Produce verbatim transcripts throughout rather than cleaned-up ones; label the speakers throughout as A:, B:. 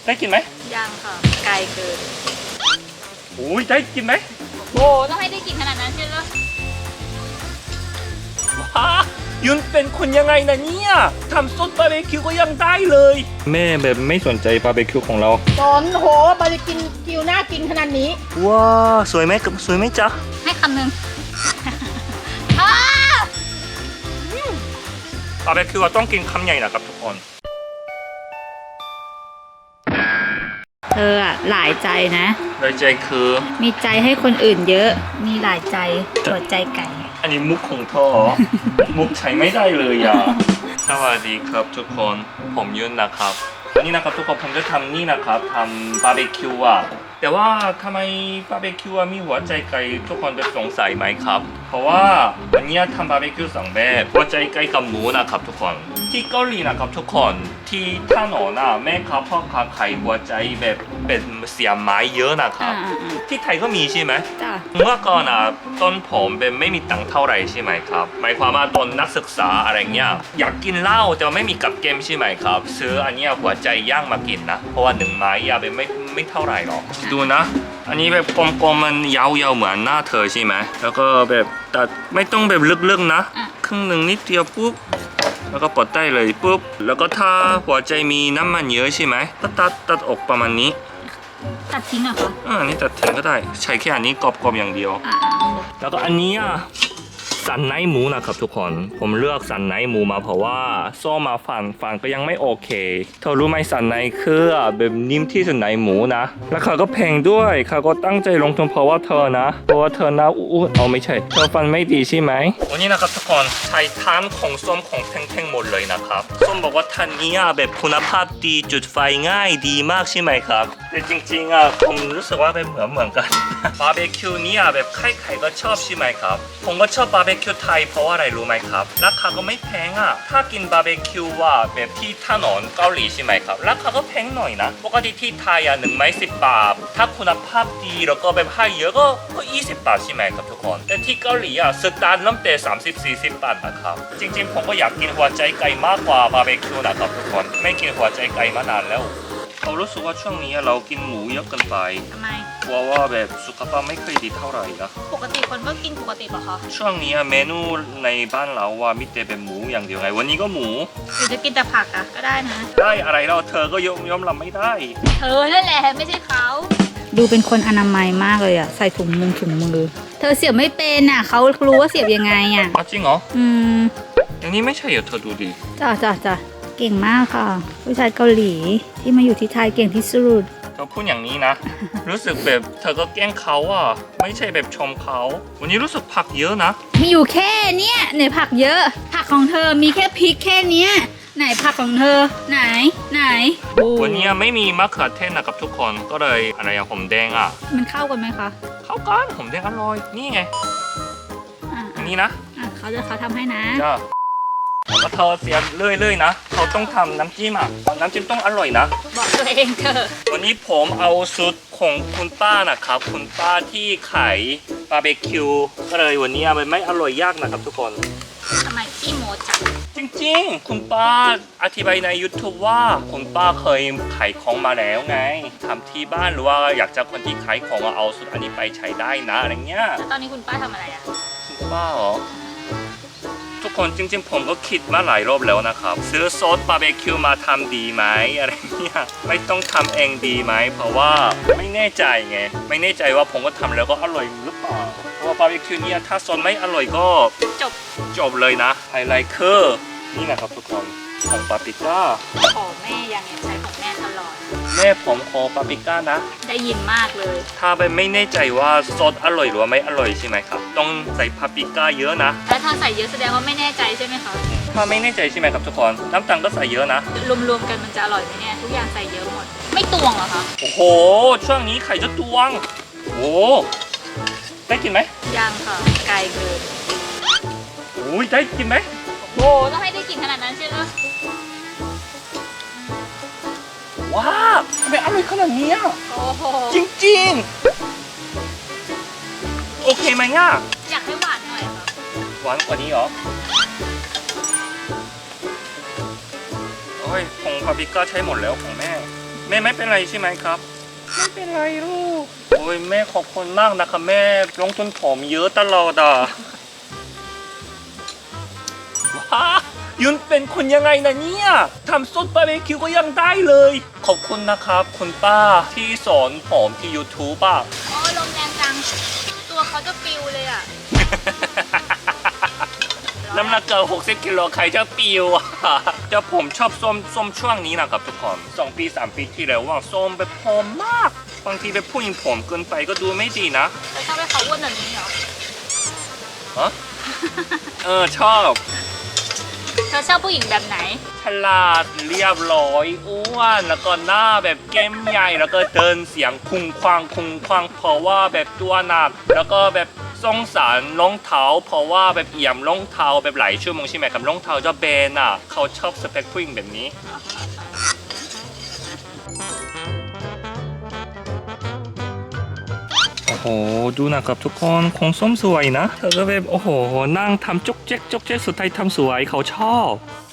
A: ได้กินไหม
B: ยังค่ะไกลเกิน
A: โอ้ยได้กินไหม
B: โอ้ต้องให้ได้กินขนาดนั้นใช่ไหม
A: ว้ายุนเป็นคนยังไงนะเนี่ยทำซดบาร์บีคิวก็ยังได้เลยแม่แบบไม่สนใจบาร์บีคิวของเรา
C: สนโหบาร์บีคิวคิวน่ากินขนาดนี้
A: ว้าสวยไหมสวยไหมจ๊ะ
B: ให้คำหนึ่ง
A: บาร์บีคิวต้องกินคำใหญ่นะครับทุกคน
B: เธออะหลายใจนะ
A: หลายใจคือ
B: มีใจให้คนอื่นเยอะมีหลายใจหัวใจไก่
A: อันนี้มุกของพ่อ มุกใช้ไม่ได้เลยอ่ะสวัสดีครับทุกคนผมยุนนะครับวันนี้นะครับทุกคนผมจะทำนี่นะครับทำบาร์บีคิวอ่ะแต่ว่าทำไมบาร์บีคิวมีหัวใจไก่ทุกคนจะสงสัยไหมครับเพราะว่าวันนี้ทำบาร์บีคิวสองแบบหัวใจไก่กับหมูนะครับทุกคนที่เกาหลีนะครับทุกคนที่ถนนน่ะแม่ค้าพ่อค้าขายหัวใจแบบเป็นเสียไม้เยอะนะครับที่ไทยก็มีใช่ไหมเมื่อก่อนอ่ะต้นผมเป็นไม่มีตังค์เท่าไหร่ใช่ไหมครับหมายความว่าตอนนักศึกษาอะไรเงี้ยอยากกินเหล้าแต่ไม่มีกับเกมใช่ไหมครับซื้ออันนี้หัวใจย่างมากินนะเพราะว่าหนึ่งไม้ยาเป็นไม่ไม่เท่าไหร่หรอกดูนะอันนี้แบบกลมๆมันยาวๆเหมือนหน้าเธอใช่ไหมแล้วก็แบบตัดไม่ต้องแบบลึกๆนะครึ่งหนึ่งนิดเดียวปุ๊บแล้วก็ปลดได้เลยปุ๊บแล้วก็ถ้าหัวใจมีน้ำมันเยอะใช่ไหมก็ตัดตัดออกประมาณนี้
B: ตัดทิ้งเหรอคะ
A: อ่านี่ตัดทิ้งก็ได้ใช้แค่อันนี้กรอบๆอย่างเดียวแล้วก็อันนี้อ่ะสันในหมูนะครับทุกคนผมเลือกสันในหมูมาเพราะว่าซ่อมมาฟันฟันก็ยังไม่โอเคเธอรู้ไหมสันในคือแบบนิ่มที่สุดในหมูนะแล้วเขาก็แพงด้วยเขาก็ตั้งใจลงทุนเพราะว่าเธอนะเพราะว่าเธอหน้าอู้เอาไม่ใช่เธอฟันไม่ดีใช่ไหมวันนี้นะครับทุกคนใช้ทานของส้มของแท่งๆหมดเลยนะครับส้มบอกว่าท่านนี้แบบคุณภาพดีจุดไฟง่ายดีมากใช่ไหมครับแต่จริงๆอ่ะผมรู้สึกว่าเป็นเหมือนเหมือนกันบาร์บีคิวนี้อ่ะแบบใครๆก็ชอบใช่ไหมครับผมก็ชอบบาร์บีคิวไทยเพราะว่าอะไรรู้ไหมครับราคาก็ไม่แพงอ่ะถ้ากินบาร์บีคิวว่าแบบที่ถนนเกาหลีใช่ไหมครับราคาก็แพงหน่อยนะปกติที่ไทยอ่ะหนึ่งไม้สิบบาทถ้าคุณภาพดีแล้วก็แบบให้เยอะก็ก็ยี่สิบบาทใช่ไหมครับทุกคนแต่ที่เกาหลีอ่ะสตาร์ทเริ่มแต่สามสิบสี่สิบบาทนะครับจริงๆผมก็อยากกินหัวใจไก่มากกว่าบาร์บีคิวนะครับทุกคนไม่กินหัวใจไก่มานานแล้วเรารู้สึกว่าช่วงนี้เรากินหมูเยอะเกินไป
B: ทำไม
A: กลัวว่าแบบสุขภาพไม่ค่อยดีเท่าไหร่นะ
B: ปกติคนก็กินปกติป่ะคะ
A: ช่วงนี้เมนูในบ้านเราว่ามิแต่เป็นหมูอย่างเดียวไงวันนี้ก็หมู
B: หรือจะกินแต่ผักอ่ะก็ได้นะ
A: ได้อะไรเราเธอก็ยอมยอมรับไม่ได้
B: เธอนั่นแหละไม่ใช่เขาดูเป็นคนอนามัยมากเลยอ่ะใส่ถุงมือถุงมือเธอเสียบไม่เป็นอ่ะเขารู้ว่าเสียบยังไงอ่ะ
A: จริงเหรอ
B: อืม
A: อย่างนี้ไม่ใช่เหรอเธอดูดิ
B: จ้าจ้าจ้าเก่งมากค่ะผู้ชายเกาหลีที่มาอยู่ที่ไทยเก่งที่สุด
A: เธอพูดอย่างนี้นะ รู้สึกแบบเธอก็แกล้งเขาอ่ะไม่ใช่แบบชมเขาวันนี้รู้สึกผักเยอะนะ
B: มีอยู่แค่เนี้ยไหนผักเยอะผักของเธอมีแค่พริกแค่เนี้ยไหนผักของเธอไหนไหน
A: วันนี้ไม่มีมะเขือเทศนะครับทุกคนก็เลยอะไรอะหอมแดงอ่ะ
B: มันเข้ากันไหมคะ
A: เข้ากันหอมแดงอร่อยนี่ไงอันนี้นะ
B: เขาจะเขาทำให้นะ
A: จ้าแล้วเธอเสียเรื่อยๆนะเขาต้องทำน้ำจิ้มอ่ะน้ำจิ้มต้องอร่อยนะ
B: บอกตัวเองเถอะ
A: วันนี้ผมเอาสูตรของคุณป้านะครับคุณป้าที่ขายบาร์บีคิวก็เลยวันนี้มันไม่อร่อยยากนะครับทุกคน
B: ทำไมขี้โมจัง
A: จริงๆคุณป้าอธิบายใน YouTube ว่าคุณป้าเคยขายของมาแล้วไงทำที่บ้านหรือว่าอยากจะคนที่ขายของเอาสูตรอันนี้ไปใช้ได้นะอะไรเงี้ย
B: แล้วตอนนี้คุณป้าทำอะไรอ่ะ
A: คุณป้าเหรอทุกคนจริงๆผมก็คิดมาหลายรอบแล้วนะครับซื้อซอสบาร์บีคิวมาทำดีไหมอะไรเงี้ยไม่ต้องทำเองดีไหมเพราะว่าไม่แน่ใจไงไม่แน่ใจว่าผมก็ทำแล้วก็อร่อยหรือเปล่าเพราะว่าบาร์บีคิวเนี่ยถ้าซอสไม่อร่อยก็
B: จบ
A: จบเลยนะไฮไลท์คือนี่นะครับทุกคนของปาปริก้า
B: ขอแม่ยังใช้ของแม่ตลอด
A: แม่ผมขอปาปริก้านะ
B: ได้ยินมากเลย
A: ถ้าไปไม่แน่ใจว่าซอสอร่อยหรือว่าไม่อร่อยใช่ไหมครับต้องใส่ปาปริก้าเยอะนะ
B: แล้วถ้าใส่เยอะแสดงว่าไม่แน่ใจใช่ไหมคะ
A: ถ้าไม่แน่ใจใช่ไหมครับทุกคนน้ำตาลก็ใส่เยอะนะ
B: รวมๆกันมันจะอร่อยไหมเนี่ยทุกอย่างใส่เยอะหมดไม่ตวงเหรอคะ
A: โอ้โหช่วงนี้ไข่จะตวงโอ้ได้กินไหม
B: ยังค่ะไกลเกิน
A: โอ้ยได้กินไหม
B: โอ้ต้องให้ได้กินขนาดนั้นใช่ไหม
A: ว้าทำไมอร่อยขนาดนี้จริงๆโอเคไหมง่ะ
B: อยากให้หวานหน่อยค่ะ
A: หวานกว่านี้เหรอโอ้ยผงปาปริก้าใช้หมดแล้วของแม่แม่ไม่เป็นไรใช่ไหมครับไม่เป็นไรลูกโอ้ยแม่ขอบคุณมากนะคะแม่ลงทุนผมเยอะตลอดอ่ะว้ายุนเป็นคนยังไงนะเนี่ยทำซดบาร์บีคิวก็ยังได้เลยขอบคุณนะครับคุณป้าที่สอนผมที่ YouTube อ่ะ
B: โอ้ลมแรงจังตัวเขาจะปิวเลยอ่ะ
A: น้ำหนักเกินหกสิบกิโลใครจะปิวอ่ะจะผมชอบส้มส้มช่วงนี้นะครับทุกคนสองปีสามปีที่แล้วว่าส้มแบบผอมมากบางทีแบบผู้หญิงผมเกินไปก็ดูไม่ดีนะ
B: เธอชอบให้เขาอ้วนแบบนี้เหรอ
A: ฮะเออชอบ
B: เธอชอบผู้หญิงแบบไหน
A: ฉลาดเรียบร้อยอ้วนแล้วก็หน้าแบบแก้มใหญ่แล้วก็เดินเสียงคุงควางคุงควางเพราะว่าแบบตัวหนักแล้วก็แบบสงสารรองเท้าเพราะว่าแบบเอี่ยมรองเท้าแบบหลายชั่วโมงใช่ไหมครับรองเท้าจะเบนอ่ะเขาชอบสเปคผู้หญิงแบบนี้โอ้โหดูนะครับทุกคนคงส้มสวยนะเธอก็แบบโอ้โหนั่งทำจกเจ๊กจกเจ๊กสุดท้ายทำสวยเขาชอบ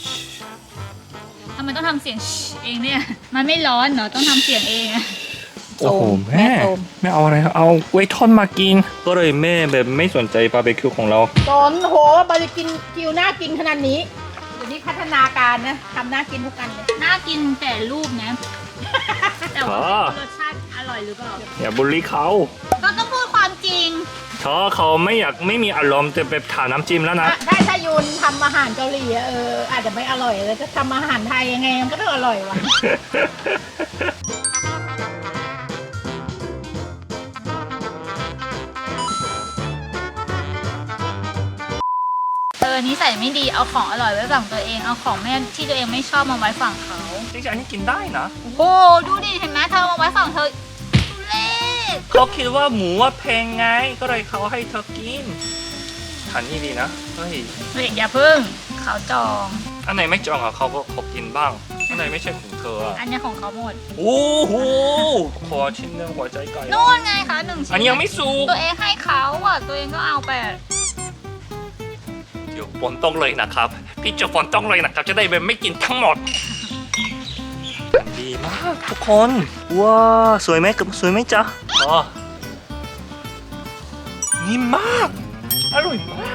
B: ทำไมต้องทำเสียงเองเนี่ย มันไม่ร้อนเหรอ ต้องทำเสียงเองอะ
A: โอ้โหแม่
C: แม่โซม
A: ไม่เอาอะไรเอาไว้ทอดมากิน ก็เลยแม่แบบไม่สนใจบาร์บีคิวของเรา
C: สอนโหบาร์บีคิวกิวน่ากินขนาดนี้เดี๋ยวนี้พัฒนาการนะทำน่ากินทุกอันเลย
B: น่ากินแต่รูปนะ แต่ว่ารสชาติอร่อยหรือเปล่า
A: อย่าบูลลี่เขา
B: ก็ต้องพูดความจริง
A: เธอเขาไม่อยากไม่มีอารมณ์แต่แบบทาน้ำจิ้มแล้วนะ
C: ถ้าถ้ายุนทำอาหารเกาหลีอะเอออาจจะไม่อร่อยเลยจะทำอาหารไทยยังไงมันก็ต้องอร่อยวะ
B: เออนิสัยไม่ดี เอาของอร่อยไว้ฝั่งตัวเอง เอาของแม่ที่ตัวเองไม่ชอบมาไว้ฝั่งเขา
A: จริงๆอันนี้กินได้นะ
B: โอ้โหดูดิ เห็นไหมเธอมาไว้ฝั่งเธอทุเล่
A: เขาคิดว่าหมูว่าแพงไง ก็เลยเขาให้เธอกินทานนี่ดีนะ เฮ้ย
B: เฮ้ยอย่าพึ่ง เขาจอง
A: อันไหนไม่จองอ่ะเขาก็เขากินบ้าง อันไหนไม่ใช่ของเธออ่ะ
B: อันนี้ของเขาหมด
A: โอ้โห ขอชิ้นหนึงหัวใจไก่
B: นู่นไงคะหนึ่งชิ้น
A: อันนี้ยังไม่สุก
B: ตัวเองให้เขาอ่ะ ตัวเองก็เอาไป
A: เดี๋ยวฝนต้องเลยนะครับ พี่จะฝนต้องเลยนะครับ จะได้แบบไม่กินทั้งหมด ดีมากทุกคน ว้าสวยไหมกับสวยไหมจ๊ะอ๋อนิ่มมาก อร่อยมาก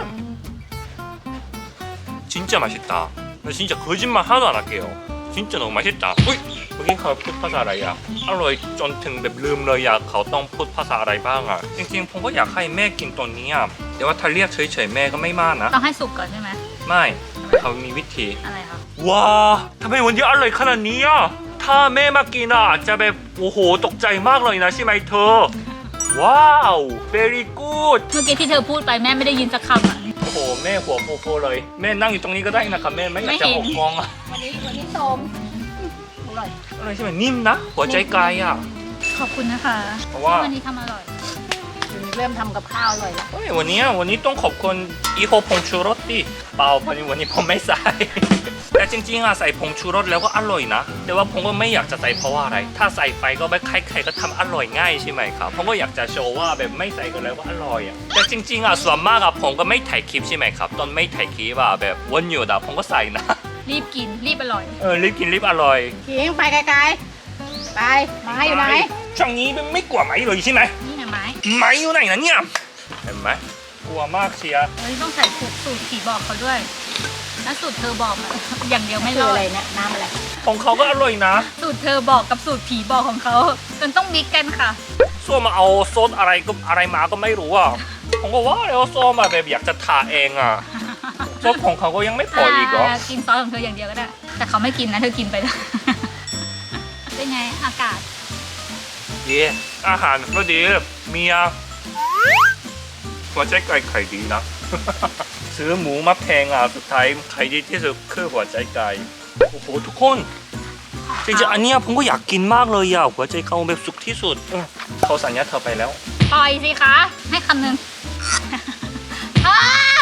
A: 진짜 맛있다. 나 진짜 거짓말 하나도 안 할게요. 진짜 너무 맛있다.อุ๊ยเมื่อกี้เขาพูดภาษาอะไรอ่ะอร่อยจนถึงแบบลืมเลยอ่ะเขาต้องพูดภาษาอะไรบ้างอ่ะจริงๆผมก็อยากให้แม่กินตัวนี้อ่ะแต่ว่าถ้าเรียกเฉยๆแม่ก็ไม่มากนะ
B: ต้องให้สุกก่อนใช่ไหม
A: ไม่เขามีวิธี
B: อะไรคะ
A: ว้าทำไมวันนี้อร่อยขนาดนี้อ่ะถ้าแม่มากินอ่ะจะแบบโอ้โหตกใจมากเลยนะใช่ไหมเธอว้าว very good
B: เมื่อกี้ที่เธอพูดไปแม่ไม่ได้ยินสักคำอ่ะ
A: โอ้โหแม่หัวโฟๆเลยแม่นั่งอยู่ตรงนี้ก็ได้นะครับแม่ไม่อยากจะ
B: ไม่
A: อ
B: เห็
A: อน กกองอ่ะ
C: วันนี้วันนี้โสมอร่อย
A: อะไรใช่ไหมนิ่มนะหัวใจไก่อ่ะ
B: ขอบคุณนะคะ
A: เพราะว่า
B: วันนี้ทำอร่อย
C: เริ่มทำกับข้าวอร่อยแล้ว
A: เฮ้ยวันนี้วันนี้ต้องขอบคุณอีโฮผงชูรสดิเปล่าวันนี้วันนี้ผมไม่ใส่ แต่จริงๆอะใส่ผงชูรสแล้วก็อร่อยนะแต่ว่าผมก็ไม่อยากจะใส่เพราะว่าอะไร ถ้าใส่ไปก็ไม่ใครๆก็ทำอร่อยง่ายใช่ไหมครับผมก็อยากจะโชว์ว่าแบบไม่ใส่ก็แล้วก็อร่อยอะแต่จริงๆอะส่วนมากอะผมก็ไม่ถ่ายคลิปใช่ไหมครับตอนไม่ถ่ายคลิปอะแบบวันหยุดอะผมก็ใส่นะ
B: รีบกิน รีบอร่อย
A: เออรีบกินรีบอร่อย
C: ขิงไปไกลๆไปไม้อยู่ไหน
A: ช่วงนี้ไม่กลัวไหมเลยใช่ไหม
B: นี่นะไม้
A: ไหมอยู่ไหนนะเนี่ยเห็นไหมกลัวมากเชียร์
B: เฮ้ยต้องใส่สูตรสูตรผีบอกเขาด้วยถ้าสูตรเธอบอกอะ อย่างเดียวไม่
C: คื
B: ร
C: อ
B: อ
C: อะไร
B: ด
C: เนี่ยน้ำอะไร
A: ของเขาก็อร่อยนะ
B: สูตรเธอบอกกับสูตรผีบอกของเขาจนต้องบิ๊กกันค่ะ
A: ส้วมาเอาซดอะไรก็อะไรมาก็ไม่รู้อ่ะ ผมก็ว่าแล้วส้วมาแบบอยากจะทาเองอ่ะซดของเขาก็ยังไม่พออีกเหรอ
B: ากินซอสของเธออย่างเดียวก็ได้ แต่เขาไม่กินนะเธอกินไปแล้ว เป็นไงอากาศ
A: เย่อาหารก็ดีเมียหัวใจไก่ไข่ดีนะ ซื้อหมูมาแพงอ่ะสุดท้ายไข่ดีที่สุดคือหัวใจไก่โอ้โหทุกคนจริงๆอันเนี้ยผมก็อยากกินมากเลยอ่ะหัวใจเขาแบบสุกที่สุดเออเขาสัญญาเธอไปแล้ว
B: ปล่อยสิคะ ให้คำหนึ่ง อ้า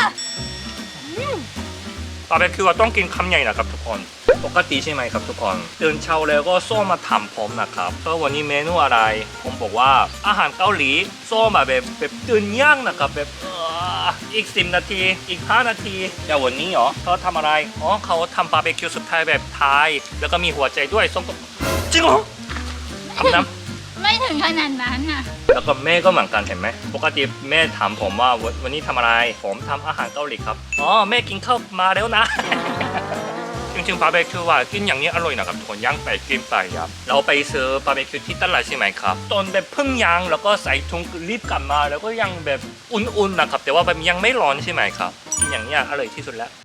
A: บาร์บีคิวต้องกินคำใหญ่นะครับทุกคน ปกติใช่ไหมครับทุกคนตื่นเช้าแล้วก็ส้มมาทำผมนะครับก็วันนี้เมนูอะไร ผมบอกว่าอาหารเกาหลีส้มมาแบบแบบตื่นย่างนะครับแบบเอ่ออีกสิบนาทีอีกห้านาทีแต่วันนี้เหรอเขาทำอะไรอ๋อเขาทำบาร์บีคิวสุดท้ายแบบไทยแล้วก็มีหัวใจด้วยส้มก็จริงเหรอทำน้
B: ไม่ถึงขนาดนั้นอ่ะ
A: ำแล้วก็แม่ก็เหมือนกันเห็นไหมปกติแม่ถามผมว่าวันวันนี้ทำอะไรผมทำอาหารเกาหลีครับอ๋อแม่กินข้าวมาแล้วนะ จริงๆบาร์บีคิวว่ากินอย่างนี้อร่อยนะครับทุกคนย่างไปกินไปครับเราไปซื้อบาร์บีคิวที่ตลาดใช่ไหมครับตอนแบบเพิ่งย่างแล้วก็ใส่ถุงรีบกลับมาแล้วก็ยังแบบอุ่นๆนะครับแต่ว่าแบบยังไม่ร้อนใช่ไหมครับกินอย่างนี้อร่อยที่สุดแล้ว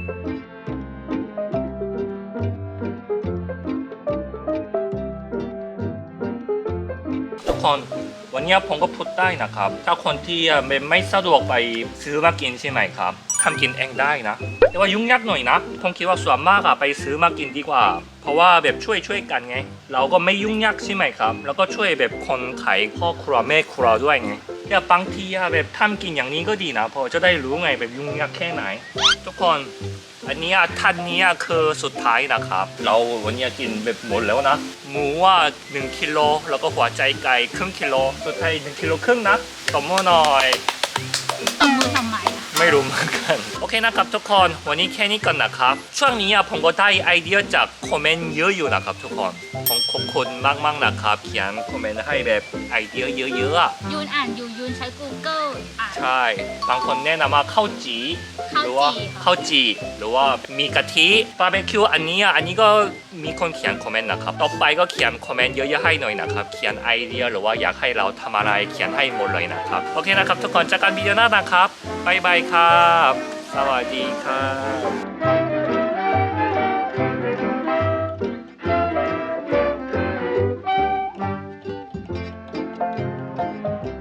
A: ทุกคนวันนี้ผมก็พูดได้นะครับถ้าคนที่ไม่ไม่สะดวกไปซื้อมากินใช่ไหมครับทำกินเองได้นะแต่ว่ายุ่งยากหน่อยนะผมคิดว่าส่วนมากอะไปซื้อมากินดีกว่าเพราะว่าแบบช่วยช่วยกันไงเราก็ไม่ยุ่งยากใช่ไหมครับแล้วก็ช่วยแบบคนขายพ่อครัวแม่ครัวด้วยไงแต่บางทีอะแบบทำกินอย่างนี้ก็ดีนะเพราะจะได้รู้ไงแบบยุ่งยากแค่ไหนทุกคนอันนี้ท่านนี้คือสุดท้ายนะครับ เราวันนี้กินแบบหมดแล้วนะหมูว่าหนึ่งกิโลแล้วก็หัวใจไก่ครึ่งกิโลสุดท้ายหนึ่งกิโลครึ่งนะตบมือหน่อย
B: ตบมือทำไมอ่ะ
A: ไม่รู้เหมือนกันโอเคนะครับทุกคนวันนี้แค่นี้ก่อนนะครับช่วงนี้อะผมก็ได้ไอเดียจากคอมเมนต์เยอะอยู่นะครับทุกคนผมขอบคุณมากๆนะครับเขียนคอมเมนต์ให้แบบไอเดียเยอะๆอะ
B: ยูนอ่านอยู่ยูนใช้ Google อ่าน
A: ใช่บางคนแนะนำว่าข้าวจี
B: ข้าว
A: หรือว่า
B: จี่ค่ะ
A: ข้าวจีหรือว่ามีกะทิบาร์บีคิวอันนี้อะอันนี้ก็มีคนเขียนคอมเมนต์นะครับต่อไปก็เขียนคอมเมนต์เยอะๆให้หน่อยนะครับเขียนไอเดียหรือว่าอยากให้เราทำอะไรเขียนให้หมดเลยนะครับโอเคนะครับทุกคนเจอกันวิดีโอหน้านะครับบ๊ายบายครับสวัสดีครับ